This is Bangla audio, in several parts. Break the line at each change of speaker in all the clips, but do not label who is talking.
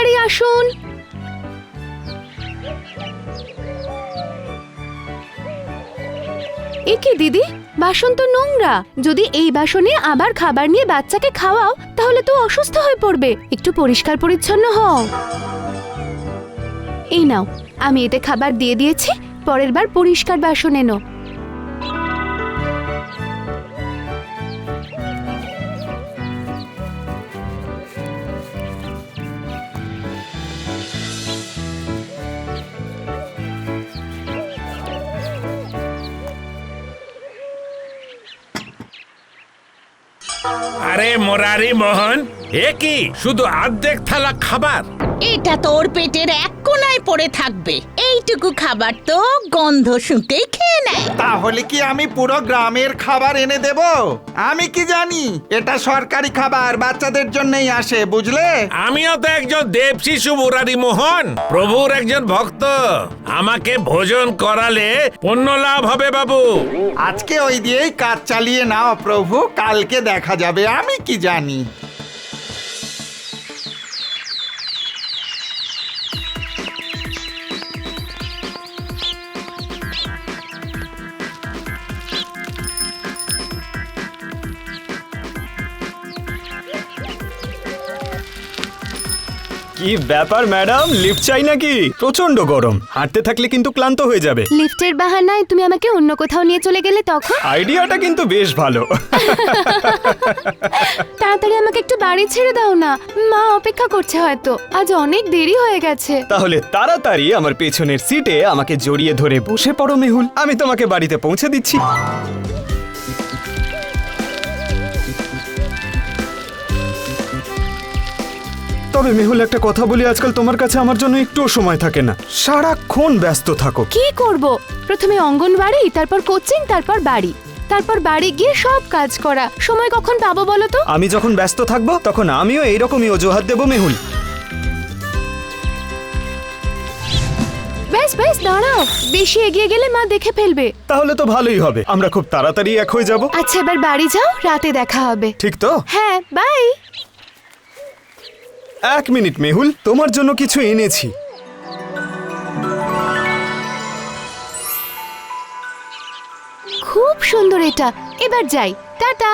তাড়াতাড়ি আসুন। এ কি দিদি, বাসন তো নোংরা। যদি এই বাসনে আবার খাবার নিয়ে বাচ্চাকে খাওয়াও তাহলে তো অসুস্থ হয়ে পড়বে। একটু পরিষ্কার পরিচ্ছন্ন হও। এই নাও, আমি এতে খাবার দিয়ে দিয়েছি, পরের বার পরিষ্কার বাসন এনো।
আরে মুরারি মোহন, এ কি শুধু অর্ধেক থালা খাবার?
এটা তোর পেটের এক কোনায় পড়ে থাকবে। এইটুকু খাবার তো গন্ধ শুঁকেই খেয়ে নেয়।
তাহলে কি আমি পুরো গ্রামের খাবার এনে দেব? আমি কি জানি, এটা সরকারি খাবার, বাচ্চাদের জন্যই আসে, বুঝলে?
আমিও তো একজন দেব শিশু মুরারি মোহন, প্রভুর একজন ভক্ত। আমাকে ভোজন করালে পুণ্য লাভ হবে বাবু।
আজকে ওই দিয়েই কাজ চালিয়ে নাও প্রভু, কালকে দেখা যাবে। আমি কি জানি।
কি ব্যাপার ম্যাডাম, লিফট চাই নাকি? প্রচন্ড গরম, হাঁটতে থাকলে কিন্তু ক্লান্ত হয়ে যাবে।
লিফটের বাহানায় তুমি আমাকে অন্য কোথাও নিয়ে চলে গেলে তখন?
আইডিয়াটা কিন্তু বেশ ভালো।
তাড়াতাড়ি আমাকে একটু বাড়ি ছেড়ে দাও না, মা অপেক্ষা করছে, হয়তো আজ অনেক দেরি হয়ে গেছে।
তাহলে তাড়াতাড়ি আমার পেছনের সিটে আমাকে জড়িয়ে ধরে বসে পড়ো মেহুল, আমি তোমাকে বাড়িতে পৌঁছে দিচ্ছি। তবে মেহুল, একটা কথা বলি, আজকাল তোমার কাছে আমার জন্য একটুও সময় থাকে না, সারাক্ষণ ব্যস্ত থাকো।
কি করব? প্রথমে অঙ্গনবাড়ি, তারপর কোচিং, তারপর বাড়ি, তারপর বাড়ি গিয়ে সব কাজ করা। সময় কখন পাবো বলো তো?
আমি যখন ব্যস্ত থাকবো তখন আমিও এইরকমই অজুহাত দেবো মেহুল।
ব্যাস ব্যাস, দাঁড়াও, বেশি এগিয়ে গেলে মা দেখে ফেলবে।
তাহলে তো ভালোই হবে, আমরা খুব তাড়াতাড়ি এক হয়ে যাব।
আচ্ছা, এবার বাড়ি যাও, রাতে দেখা হবে।
ঠিক তো?
হ্যাঁ, বাই।
এক মিনিট মেহুল, তোমার জন্য কিছু এনেছি।
খুব সুন্দর এটা। এবার যাই, টাটা।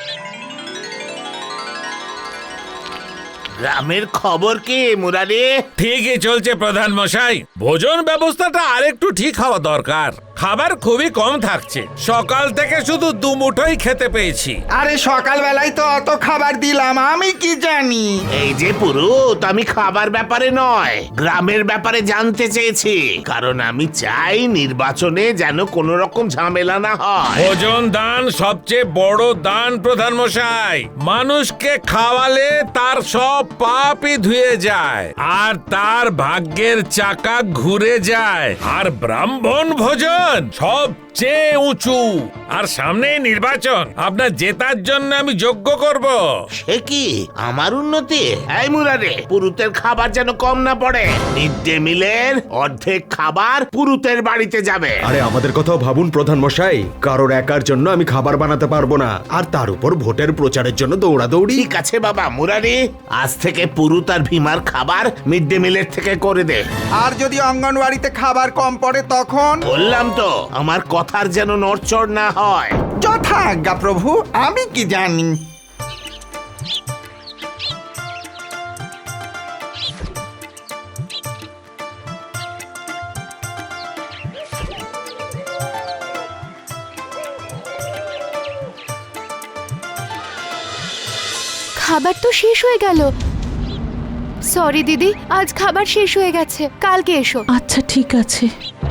গ্রামের খবর কি মুরারি?
ঠিকই চলছে প্রধান মশাই। ভোজন ব্যবস্থাটা আরেকটু ঠিক হওয়া দরকার। খাবার খুবই কম থাকছে, সকাল থেকে শুধু দুমুঠোই খেতে পেয়েছি।
আরে সকালবেলায় তো অত খাবার দিলাম, আমি কি জানি।
এই যে পুরুত, আমি খাবার ব্যাপারে নয়, গ্রামের ব্যাপারে জানতে চেয়েছি। কারণ আমি চাই নির্বাচনে যেন কোনো রকম ঝামেলা না হয়।
ভোজন দান সবচেয়ে বড় দান প্রধান মশাই। মানুষকে খাওয়ালে তার সব পাপই ধুয়ে যায় আর তার ভাগ্যের চাকা ঘুরে যায়। আর ব্রাহ্মণ ভোজন সবচেয়ে উঁচু। আর সামনে নির্বাচন, আপনার জেতার জন্য আমি যোগ্য করব।
সে কি আমার উন্নতি? এই মুরারি, পুরুতের খাবার যেন কম না পড়ে। মিড ডে মিলের অর্ধেক খাবার পুরুতের বাড়িতে যাবে।
আরে আমাদের কথাও ভাবুন প্রধান মশাই, কারোর একার জন্য আমি খাবার বানাতে পারবো না, আর তার উপর ভোটের প্রচারের জন্য দৌড়াদৌড়ি।
ঠিক আছে বাবা মুরারি, আজ থেকে পুরুত আর ভীমার খাবার মিড ডে মিলের থেকে করে দে।
আর যদি অঙ্গনওয়াড়িতে খাবার কম পড়ে তখন?
বললাম তো, আমার কথার যেন নড়চড় না হয়।
যথা আজ্ঞা প্রভু, আমি কি জানি।
খাবার তো শেষ হয়ে গেল। সরি দিদি, আজ খাবার শেষ হয়ে গেছে, কালকে এসো।
আচ্ছা ঠিক আছে।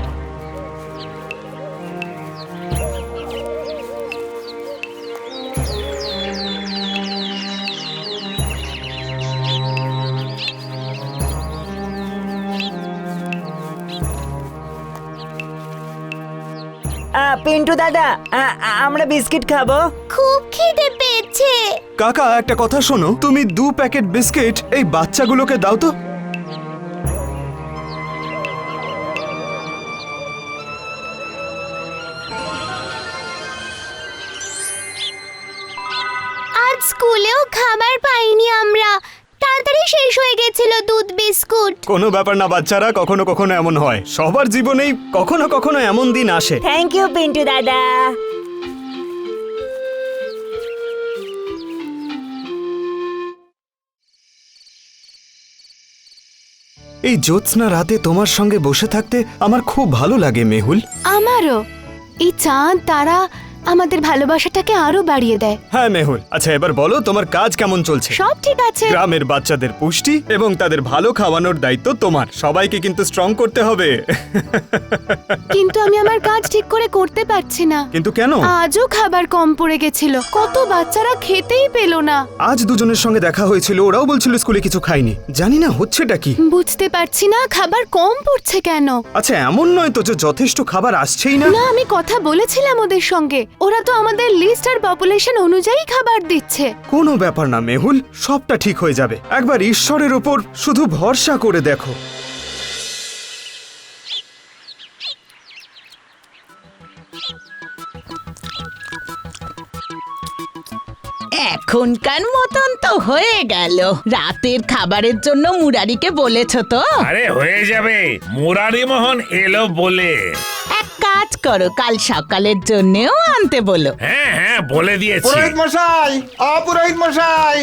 পিন্টু দাদা, আমরা বিস্কিট খাবো।
খুব খিদে পেয়েছে।
কাকা, একটা কথা শোনো, তুমি 2 প্যাকেট বিস্কিট এই বাচ্চাগুলোকে দাও তো।
আজ স্কুলেও খাবার পাইনি আমরা। তাড়াতাড়ি তাড়াতাড়ি শেষ হয়ে গেছিল দুধ বিস্কুট।
কোনো ব্যাপার না বাচ্চারা, কখনো কখনো এমন হয়, সবার জীবনেই কখনো কখনো এমন দিন আসে।
থ্যাংক ইউ পিন্টু দাদা।
এই জ্যোৎস্না রাতে তোমার সঙ্গে বসে থাকতে আমার খুব ভালো লাগে মেহুল।
আমারও। এই চাঁদ তারা আমাদের ভালোবাসাটাকে আরো বাড়িয়ে দেয়।
হ্যাঁ মেহুল, আচ্ছা এবার বলো তোমার কাজ কেমন চলছে?
সব ঠিক আছে।
গ্রামের বাচ্চাদের পুষ্টি এবং তাদের ভালো খাওয়ানোর দায়িত্ব তোমার। সবাইকে কিন্তু স্ট্রং করতে হবে।
কিন্তু আমি আমার কাজ ঠিক করে করতে পারছি না।
কিন্তু কেন?
আজও খাবার কম পড়ে গেছিল, কত বাচ্চারা খেতেই পেল না।
আজ দুজনের সঙ্গে দেখা হয়েছিল, ওরাও বলছিল স্কুলে কিছু খায়নি। জানি না হচ্ছেটা কি।
বুঝতে পারছি না খাবার কম পড়ছে কেন।
আচ্ছা এমন নয় তো যে যথেষ্ট খাবার আসছেই না?
না, আমি কথা বলেছিলাম ওদের সঙ্গে, ওরা তো আমাদের লিস্ট আর পপুলেশন অনুযায়ী খাবার দিচ্ছে।
কোনো ব্যাপার না মেহুল, সবটা ঠিক হয়ে যাবে। একবার ঈশ্বরের ওপর শুধু ভরসা করে দেখো।
এখনকার মতন তো হয়ে গেল। রাতের খাবারের জন্য মুরারিকে বলেছ তো?
আরে হয়ে যাবে, মুরারি মোহন এলো বলে।
এক কাজ করো, কাল সকালের জন্যও আনতে বলো।
হ্যাঁ হ্যাঁ বলে দিয়েছি।
পুরোহিত মশাই, অপুরোহিত মশাই,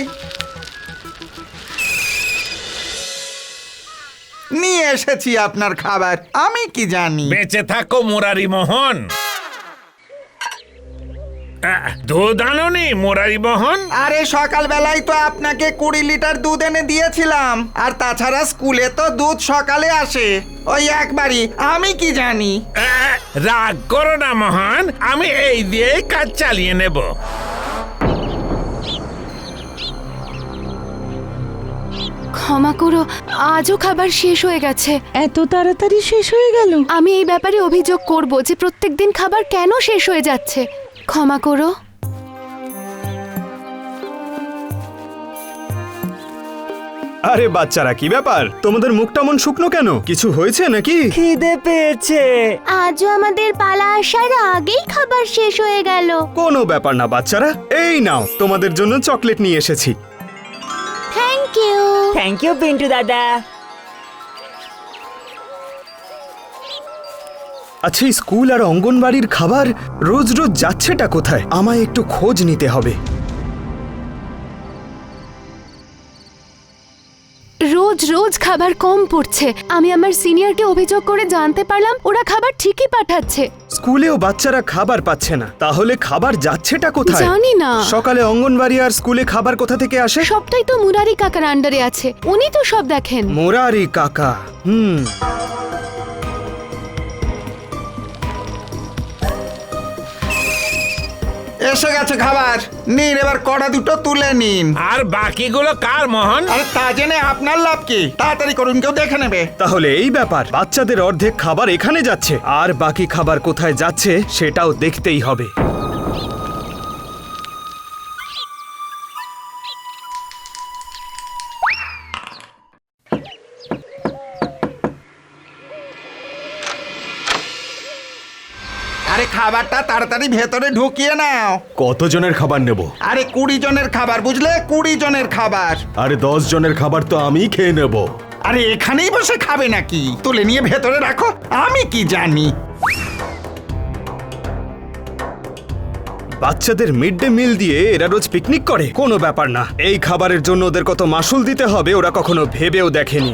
নিয়ে এসেছি আপনার খাবার। আমি কি জানি।
বেঁচে থাকো মুরারি মোহন। দুধ আনোনি মুরারি মোহন?
আরে সকালবেলায় তো আপনাকে 20 লিটার দুধ এনে দিয়েছিলাম। আর তাছাড়া স্কুলে তো দুধ সকালে আসে, ওই একবারই। আমি কি জানি।
রাগ করো না মোহন, আমি এই দিয়েই কাজ চালিয়ে নেব।
ক্ষমা করো, আজও খাবার শেষ হয়ে গেছে।
এত তাড়াতাড়ি শেষ হয়ে গেল?
আমি এই ব্যাপারে অভিযোগ করব যে প্রত্যেকদিন খাবার কেন শেষ হয়ে যাচ্ছে। ক্ষমা করো।
আরে বাচ্চারা, কি ব্যাপার? তোমাদের মুখটা মন শুকনো কেন? কিছু হয়েছে নাকি?
খিদে পেয়েছে।
আজও আমাদের পালা আসার আগেই খাবার শেষ হয়ে গেল।
কোনো ব্যাপার না বাচ্চারা, এই নাও তোমাদের জন্য চকলেট নিয়ে এসেছি।
Thank you.
Thank you Pintu দাদা।
আচ্ছা এই স্কুল আর অঙ্গনবাড়ির খাবার রোজ রোজ যাচ্ছেটা কোথায়? আমায় একটু খোঁজ নিতে হবে।
রোজ রোজ খাবার কম পড়ছে। আমি আমার সিনিয়রকে অভিযোগ করে জানতে পারলাম ওরা খাবার ঠিকই পাঠাচ্ছে।
স্কুলেও বাচ্চারা খাবার পাচ্ছে না, তাহলে খাবার যাচ্ছেটা কোথায়?
জানি না।
সকালে অঙ্গনবাড়ি আর স্কুলে খাবার কোথা থেকে আসে?
সবটাই তো মুরারি কাকার আন্ডারে আছে, উনি তো সব দেখেন।
মোরারি কাকা।
এসে গেছে খাবার, নিন এবার কড়া দুটো তুলে নিন।
আর বাকিগুলো কার মোহন?
আরে তা জেনে আপনার লাভ কি? তাড়াতাড়ি করুন, কেউ দেখে নেবে।
তাহলে এই ব্যাপার, বাচ্চাদের অর্ধেক খাবার এখানে যাচ্ছে, আর বাকি খাবার কোথায় যাচ্ছে সেটাও দেখতেই হবে।
আরে খাবারটা তাড়াতাড়ি ভেতরে ঢুকিয়ে নাও।
কতজনের খাবার নেব?
আরে 20 জনের খাবার, বুঝলে? 20 জনের খাবার।
আরে 10 জনের খাবার তো আমি খেয়ে নেব।
আরে এখানেই বসে খাবে নাকি? তুলে নিয়ে ভেতরে রাখো, আমি কি জানি।
বাচ্চাদের মিড ডে মিল দিয়ে এরা রোজ পিকনিক করে? কোনো ব্যাপার না, এই খাবারের জন্য ওদের কত মাসুল দিতে হবে ওরা কখনো ভেবেও দেখেনি।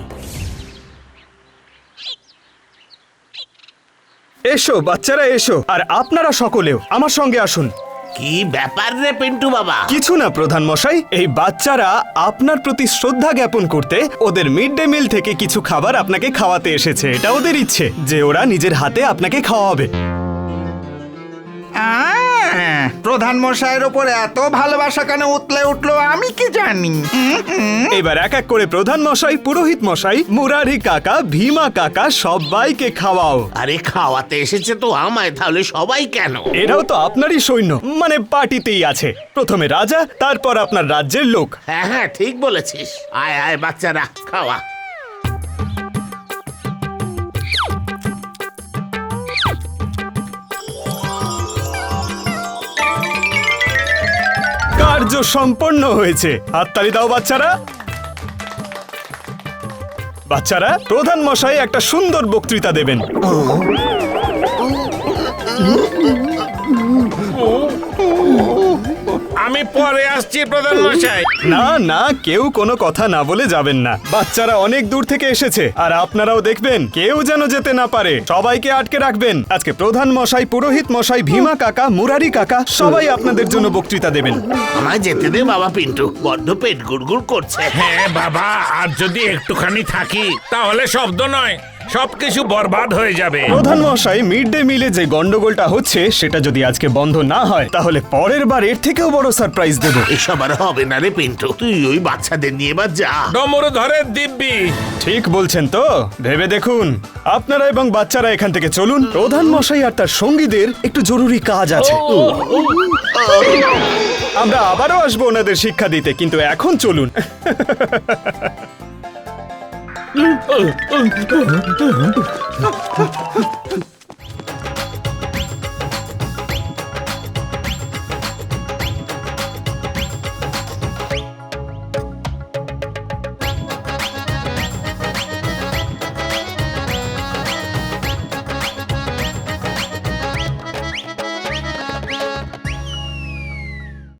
এসো বাচ্চারা এসো, আর আপনারা সকলেও আমার সঙ্গে আসুন।
কি ব্যাপার রে পিন্টু বাবা?
কিছু না প্রধান মশাই, এই বাচ্চারা আপনার প্রতি শ্রদ্ধা জ্ঞাপন করতে ওদের মিড ডে মিল থেকে কিছু খাবার আপনাকে খাওয়াতে এসেছে। এটা ওদের ইচ্ছে যে ওরা নিজের হাতে আপনাকে খাওয়াবে।
প্রধান মশাইয়ের ওপর এত ভালোবাসা কেন উতলে উঠলো আমি কি জানি।
এবার এক এক করে প্রধান মশাই, পুরোহিত মশাই, মুরারি কাকা, ভীমা কাকা সবাইকে খাওয়াও।
আরে খাওয়াতে এসেছে তো আমায়, তাহলে সবাই কেন?
এরাও তো আপনারই সৈন্য, মানে পার্টিতেই আছে। প্রথমে রাজা, তারপর আপনার রাজ্যের লোক।
হ্যাঁ হ্যাঁ ঠিক বলেছিস। আয় আয় বাচ্চারা খাওয়া।
কার্য সম্পন্ন হয়েছে, হাততালি দাও বাচ্চারা। বাচ্চারা, প্রধান মশাই একটা সুন্দর বক্তৃতা দেবেন।
আমি পরে আসছি প্রধান মশাই।
না না, কেউ কোনো কথা না বলে যাবেন না। বাচ্চারা অনেক দূর থেকে এসেছে, আর আপনারাও দেখবেন কেউ যেন যেতে না পারে। সবাইকে আটকে রাখবেন। আজকে প্রধান মশাই, পুরোহিত মশাই, ভীমা কাকা, মুরারি কাকা সবাই আপনাদের জন্য বক্তৃতা দেবেন।
আমায় যেতে দে বাবা পিন্টু, বড্ড পেট গুড়গুড় করছে।
হ্যাঁ বাবা, আর যদি একটুখানি থাকি তাহলে শব্দ নয়, সবকিছু বরবাদ হয়ে যাবে।
প্রধান মশাই, মিড ডে মিলে যে গন্ডগোলটা হচ্ছে সেটা যদি আজকে বন্ধ না হয় তাহলে পরের বার এর থেকেও বড় সারপ্রাইজ দেব।
এসব আর হবে না রে পিন্টু, তুই ওই বাচ্চাদের নিয়ে এবার যা।
ডমরু ধরে দিব্যি।
ঠিক বলছেন তো? ভেবে দেখুন। আপনারা এবং বাচ্চারা এখান থেকে চলুন। প্রধান মশাই আর তার সঙ্গীদের একটু জরুরি কাজ আছে। আমরা আবারও আসবো ওনাদের শিক্ষা দিতে, কিন্তু এখন চলুন।